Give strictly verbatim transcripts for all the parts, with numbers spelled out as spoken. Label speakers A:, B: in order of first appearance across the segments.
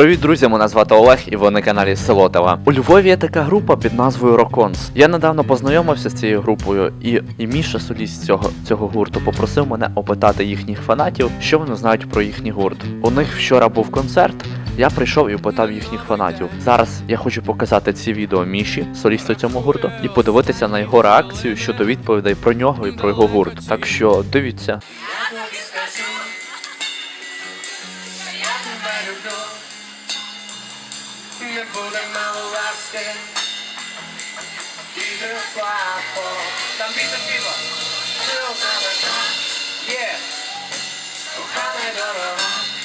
A: Привіт, друзі! Мене звати Олег і ви на каналі Селотова. У Львові є така група під назвою Роконс. Я недавно познайомився з цією групою, і, і Міша, соліст цього, цього гурту, попросив мене опитати їхніх фанатів, що вони знають про їхній гурт. У них вчора був концерт, я прийшов і опитав їхніх фанатів. Зараз я хочу показати ці відео Міші, солісту цього гурту, і подивитися на його реакцію щодо відповідей про нього і про його гурт. Так що дивіться.
B: Не буде мало ласки, іде плахо. Там біта світло, ти озавета, є, кохана й дорога.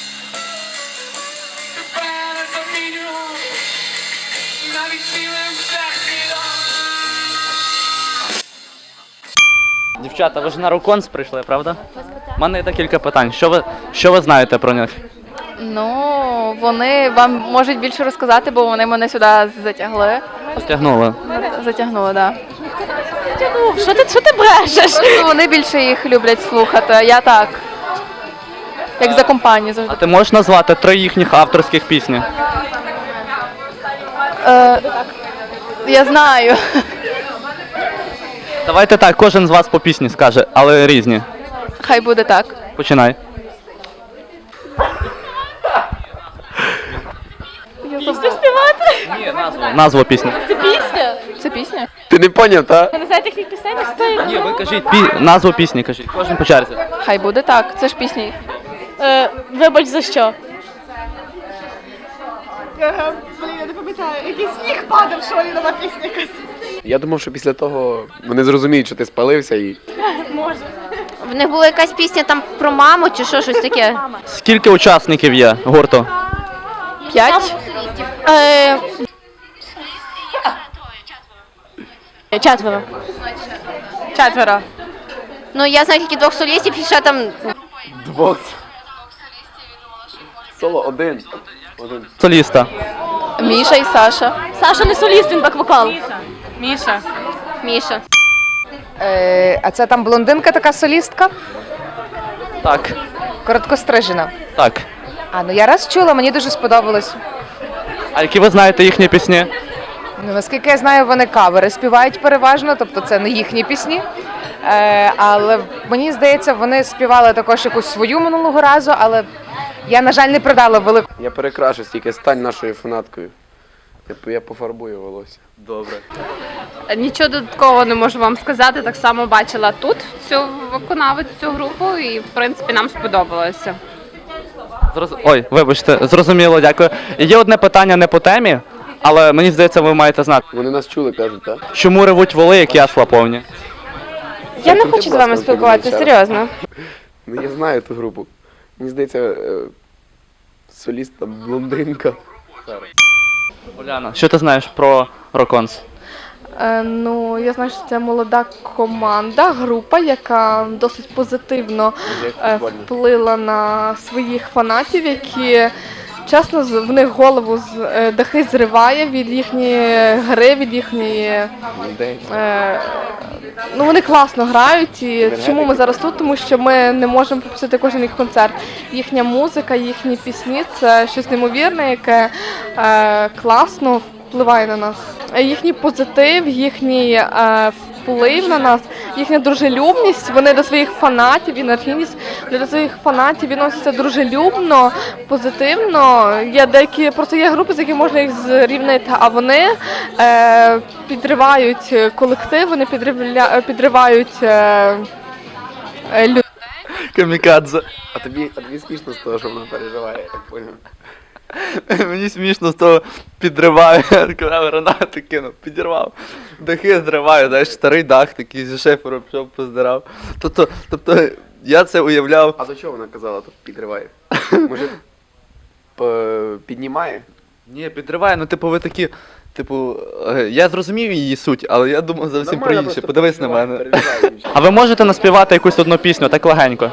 B: Тебе не заміню, навіть цілим всесвітом.
A: Дівчата, ви ж на Роконс прийшли, правда? У мене є декілька питань. Що ви, що ви знаєте про них?
C: Ну, вони вам можуть більше розказати, бо вони мене сюди затягли.
A: Затягнули.
C: Затягнули, так.
D: Ну, що ти, що ти брешеш?
C: Да. Вони більше їх люблять слухати, а я так. Як за компанію
A: А
C: завжди.
A: ти можеш назвати три їхніх авторських пісні?
C: Е, я знаю.
A: Давайте так, кожен з вас по пісні скаже, але різні.
C: Хай буде так.
A: Починай.
D: Пісню співати?
A: Ні, назву. Назву пісні.
D: Це пісня?
C: Це пісня?
E: Ти не поняв, та?
D: Ви не знаєте їхніх пісень? Стоїть.
A: Ні, ви кажіть пі... назву пісні, кажіть. Кожен по черзі.
C: Хай буде так. Це ж пісня їх.
D: Е, вибач за що?
F: Блін, я не пам'ятаю, який сніг падав, що ли, нова пісня якась.
E: Я думав, що після того вони зрозуміють, що ти спалився і.
G: В них була якась пісня там про маму чи що, щось таке?
A: Скільки учасників є гурту?
C: П'ять?
D: Е, четверо.
C: Четверо.
G: Ну, я знаю тільки двох солістів, і ще там
E: Двох. Соло один. Один.
A: Соліста.
C: Міша і Саша.
D: Саша не соліст, він бек-вокал.
C: Міша.
G: Міша.
H: Е, а це там блондинка така солістка?
A: Так.
H: Короткострижена.
A: Так.
H: А, ну я раз чула, мені дуже сподобалось.
A: А які ви знаєте їхні пісні?
H: Ну, наскільки я знаю, вони кавери співають переважно, тобто це не їхні пісні. Е, але мені здається, вони співали також якусь свою минулого разу, але я, на жаль, не придала велику.
E: Я перекрашусь, тільки стань нашою фанаткою. Я, я пофарбую волосся.
A: Добре.
I: Нічого додаткового не можу вам сказати. Так само бачила тут цю виконавець, цю групу, і в принципі нам сподобалося.
A: Зроз... Ой, вибачте, зрозуміло, дякую. Є одне питання не по темі, але мені здається, ви маєте знати.
E: Вони нас чули, кажуть, так?
A: Чому ревуть воли, як ясла повні?
I: Я не
E: Ти,
I: хочу з
E: будь
I: вами
E: ласка,
I: спілкуватися,
E: підійди ще раз.
I: серйозно.
E: Ну я знаю ту групу. Мені здається, е, соліст там блондинка.
A: Уляна, що ти знаєш про Роконс?
C: Е, ну, я знаю, що це молода команда, група, яка досить позитивно е, вплила на своїх фанатів, які, чесно, з- в них голову з е, дахи зриває від їхньої гри, від їхньої.
E: Людей.
C: Е, ну, вони класно грають, і чому ми зараз тут? Тому що ми не можемо пропустити кожен їх концерт. Їхня музика, їхні пісні – це щось неймовірне, яке е, класно впливає на нас. Е, Їхній позитив, їхній е, вплив на нас, їхня дружелюбність, вони до своїх фанатів, енергійність, вони до своїх фанатів відносяться дружелюбно, позитивно. Є деякі, просто є групи, з якими можна їх зрівнити, а вони е, підривають колектив, вони підривля, підривають е, е, людей.
A: Камікадзе.
E: А тобі, а тобі смішно з того, що вона переживає, я так поняв.
A: Мені смішно з того підриваю, гранати кинув, підірвав. Дахи зриваю, знаєш, старий дах такий зі шифером пішов, поздирав. Тобто, тобто я це уявляв.
E: А до чого вона казала, тут підриває? Може, п- піднімає?
A: Ні, підриває, ну типу ви такі, типу, е, я зрозумів її суть, але я думав зовсім про
E: Нормально,
A: інше.
E: просто
A: Подивись на
E: переживає,
A: мене.
E: переживає дівчина.
A: А ви можете наспівати якусь одну пісню, так легенько?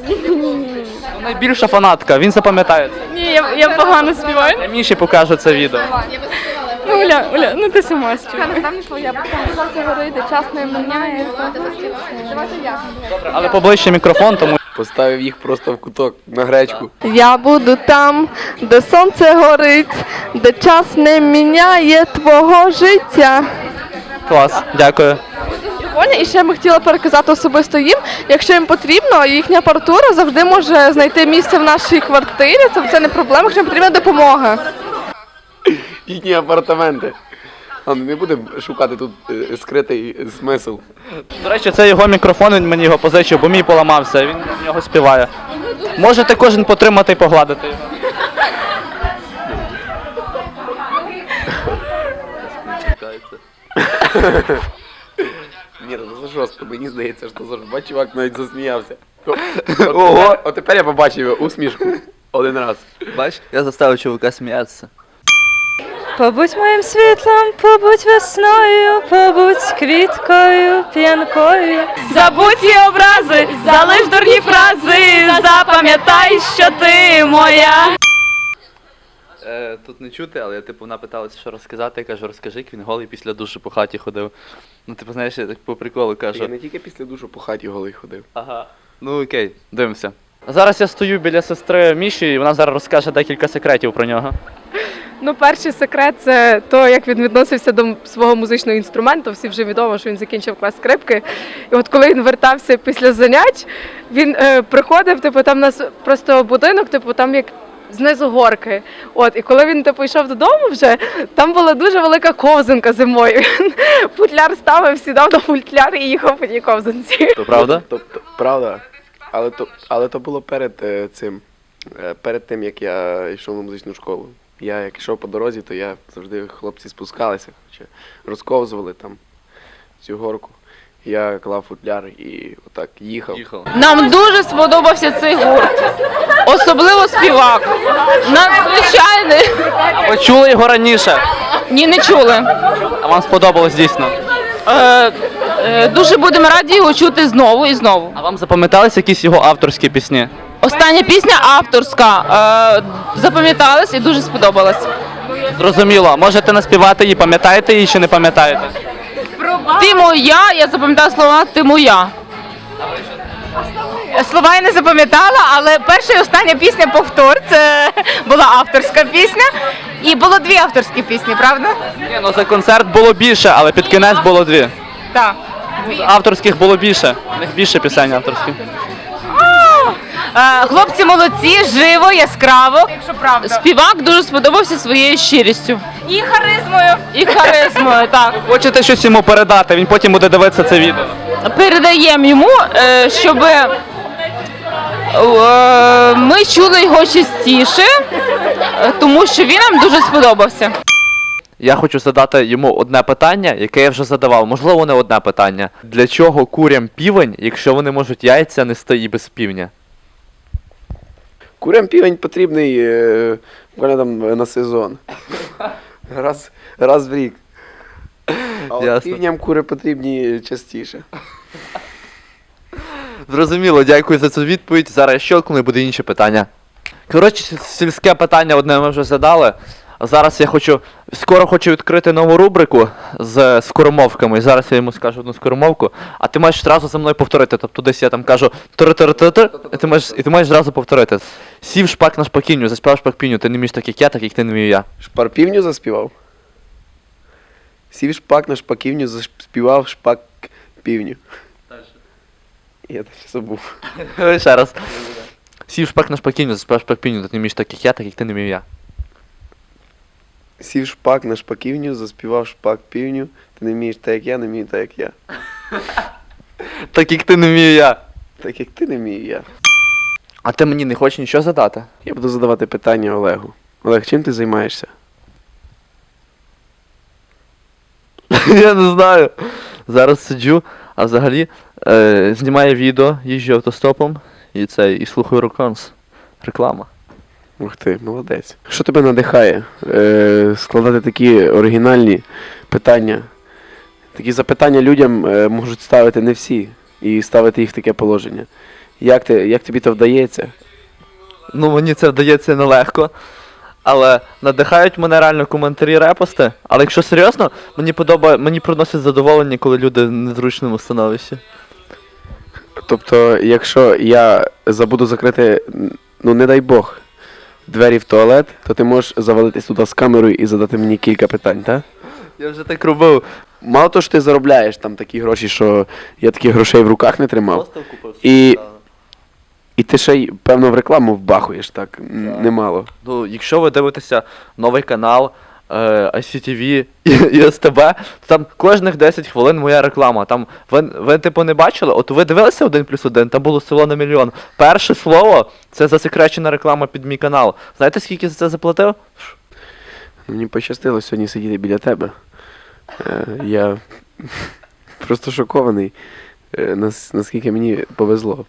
A: Ну, найбільша фанатка, він запам'ятає це.
D: Ні, я, я погано співаю.
A: Я Міші покажу це відео.
D: Ну, Оля, Оля, ну ти сама співай.
C: Я потім говорити, час не міняє.
A: Але поближче мікрофон, тому
E: Поставив їх просто в куток на гречку.
C: Я буду там, де сонце горить, де час не міняє твого життя.
A: Клас, дякую.
C: Прикольно. І ще ми хотіли переказати особисто їм, якщо їм потрібно, їхня апаратура завжди може знайти місце в нашій квартирі, це, це не проблема, якщо їм потрібна допомога.
E: Їхні апартаменти. А не будемо шукати тут е, скритий смисл.
A: До речі, це його мікрофон, він мені його позичив, бо мій поламався, він в нього співає. Можете кожен потримати і погладити його.
E: Ні, ну це жорстко, мені здається, що це жорстко. Бач, чувак навіть засміявся. Ого! От тепер я побачив його усмішку. Один раз.
A: Бач, я заставив чувака сміятися.
D: Побудь моїм світлом, побудь весною, побудь квіткою, п'янкою. Забудь ті образи, залиш дурні фрази, запам'ятай, що ти моя.
A: Е, тут не чути, але типу вона питалася, що розказати, я кажу, розкажи, як він голий після душу по хаті ходив. Ну, типу, знаєш, я так по приколу кажу.
E: Я не тільки після душу по хаті голий ходив.
A: Ага. Ну окей, дивимося. Зараз я стою біля сестри Міші, і вона зараз розкаже декілька секретів про нього.
J: Ну, перший секрет це то, як він відносився до свого музичного інструменту. Всі вже відомо, що він закінчив клас скрипки. І от коли він вертався після занять, він е, приходив, типу, там у нас просто будинок, типу, там як знизу горки. От, і коли він типу йшов додому вже, там була дуже велика ковзанка зимою. Він футляр ставив, сідав на футляр і їхав по тій ковзанці.
A: То правда?
E: Тобто, правда. Але то, але то було перед е, цим, е, перед тим, як я йшов на музичну школу. Я як йшов по дорозі, то я завжди хлопці спускалися, хоча розковзували там цю горку. Я клав футляр і отак їхав.
A: Їхав.
I: Нам дуже сподобався цей гурт. Особливо співак. Надзвичайний.
A: Ви чули його раніше?
I: Ні, не чули.
A: А вам сподобалось дійсно?
I: Е, е, дуже будемо раді його чути знову і знову.
A: А вам запам'ятались якісь його авторські пісні?
I: Остання пісня авторська. Е, запам'яталась і дуже сподобалась.
A: Зрозуміло. Можете наспівати її, пам'ятаєте її чи не пам'ятаєте?
I: Ти моя, я запам'ятала слова ти моя.
H: Слова я не запам'ятала, але перша і остання пісня «Повтор» – це була авторська пісня. І було дві авторські пісні, правда?
A: Ні, ну за концерт було більше, але під кінець було дві.
H: Так.
A: Авторських було більше. У них більше пісень авторських.
H: Е, Хлопці молодці, живо, яскраво. Якщо правда.
I: Співак дуже сподобався своєю щирістю.
H: І харизмою.
I: І харизмою, так.
A: Хочете щось йому передати, він потім буде дивитися це відео.
I: Передаємо йому, е, щоб е, ми чули його частіше, е, тому що він нам дуже сподобався.
A: Я хочу задати йому одне питання, яке я вже задавав. Можливо, не одне питання. Для чого курям півень, якщо вони можуть яйця нести і без півня?
E: Курям півень потрібний е, буквально там на сезон. Раз, раз в рік. А от
A: Ясно.
E: півням кури потрібні частіше.
A: Зрозуміло, дякую за цю відповідь. Зараз я щелкну і буде інші питання. Коротше, сільське питання одне ми вже задали. А зараз я хочу, скоро хочу відкрити нову рубрику з скоромовками. І зараз я йому скажу одну скоромовку, а ти маєш одразу за мною повторити. Тобто десь я там кажу тир-тир-тир-тир, і ти маєш, і ти маєш одразу повторити. Сів шпак на шпакінню, заспівав шпак-пінню, ти не вмієш так як я, так як ти не вмію я.
E: Шпар півню заспівав? Сів шпак на шпаківню, заспівав шпак півню. Я так забув.
A: Ще раз. Сів шпак на шпакінню, заспівав шпак-піню, ти не вмієш так як я, так як ти не вмію я.
E: Сів шпак на шпаківню, заспівав шпак півню. Ти не вмієш так, як я, не вмію так, як я.
A: Так як ти не вмію я.
E: Так як ти не вмію я.
A: А ти мені не хочеш нічого задати?
E: Я буду задавати питання Олегу. Олег, чим ти займаєшся?
A: Я не знаю. Зараз сиджу, а взагалі е, знімаю відео, їжджу автостопом і це, і слухаю Роконс. Реклама.
E: Ух ти, молодець. Що тебе надихає е, складати такі оригінальні питання? Такі запитання людям е, можуть ставити не всі і ставити їх в таке положення. Як, ти, як тобі це вдається?
A: Ну, мені це вдається нелегко, але надихають мене реально коментарі, репости. Але якщо серйозно, мені подобає, мені приносить задоволення, коли люди в незручному становищі.
E: тобто, якщо я забуду закрити, ну не дай Бог, двері в туалет, то ти можеш завалитись туди з камерою і задати мені кілька питань, так?
A: Я вже так робив.
E: Мало того, що ти заробляєш там такі гроші, що я таких грошей в руках не тримав. І, і ти ще й, певно, в рекламу вбахуєш, так? Н- Немало.
A: Ну, якщо ви дивитеся новий канал е, ай сі ті ві і, і ес те бе, то там кожних десять хвилин моя реклама. Там ви, ви типу не бачили? От ви дивилися один плюс один, там було село на мільйон. Перше слово це засекречена реклама під мій канал. Знаєте, скільки за це заплатив?
E: Мені пощастило сьогодні сидіти біля тебе. Е, я просто шокований, е, нас, наскільки мені повезло.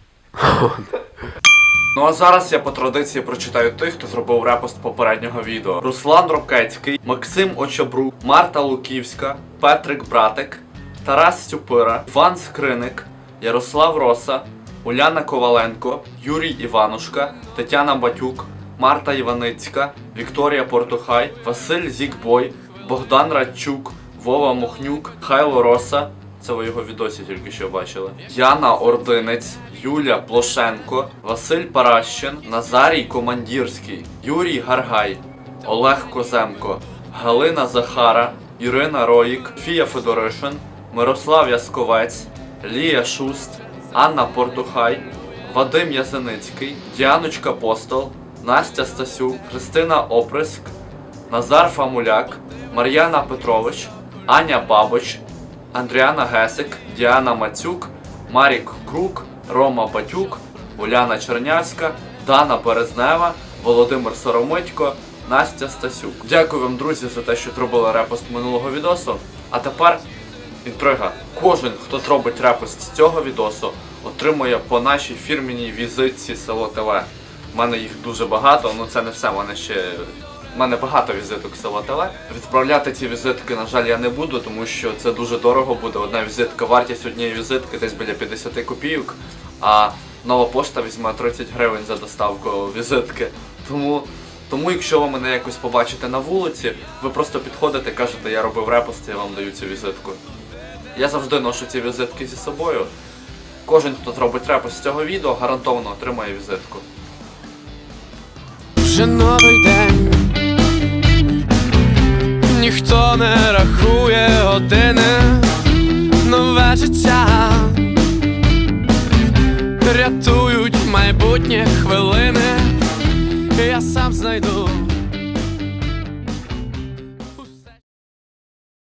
A: Ну а зараз я по традиції прочитаю тих, хто зробив репост попереднього відео. Руслан Рокецький, Максим Очобрук, Марта Луківська, Петрик Братик, Тарас Стюпира, Іван Скриник, Ярослав Роса, Уляна Коваленко, Юрій Іванушка, Тетяна Батюк, Марта Іваницька, Вікторія Портухай, Василь Зікбой, Богдан Радчук, Вова Мохнюк, Хайло Роса. Це ви його в відосі тільки що бачили. Яна Ординець, Юля Плошенко, Василь Паращин, Назарій Командірський, Юрій Гаргай, Олег Коземко, Галина Захара, Ірина Роїк, Фія Федоришин, Мирослав Ясковець, Лія Шуст, Анна Портухай, Вадим Язеницький, Діаночка Постол, Настя Стасюк, Христина Оприск, Назар Фамуляк, Мар'яна Петрович, Аня Бабоч, Андріана Гесик, Діана Мацюк, Марік Крук, Рома Батюк, Уляна Чернявська, Дана Березнева, Володимир Соромитько, Настя Стасюк. Дякую вам, друзі, за те, що зробили репост минулого відосу. А тепер інтрига. Кожен, хто зробить репост з цього відосу, отримує по нашій фірмінній візитці Село ТВ. У мене їх дуже багато, ну це не все, в мене ще... У мене багато візиток Село ТВ. Відправляти ці візитки, на жаль, я не буду, тому що це дуже дорого буде. Одна візитка, вартість однієї візитки десь біля п'ятдесят копійок, а нова пошта візьме тридцять гривень за доставку візитки. Тому, тому якщо ви мене якось побачите на вулиці, ви просто підходите, кажете, я робив репост, я вам даю цю візитку. Я завжди ношу ці візитки зі собою. Кожен, хто зробить репост з цього відео, гарантовано отримає візитку.
B: Вже новий день, ніхто не рахує години, нове життя рятують майбутнє хвилини, я сам знайду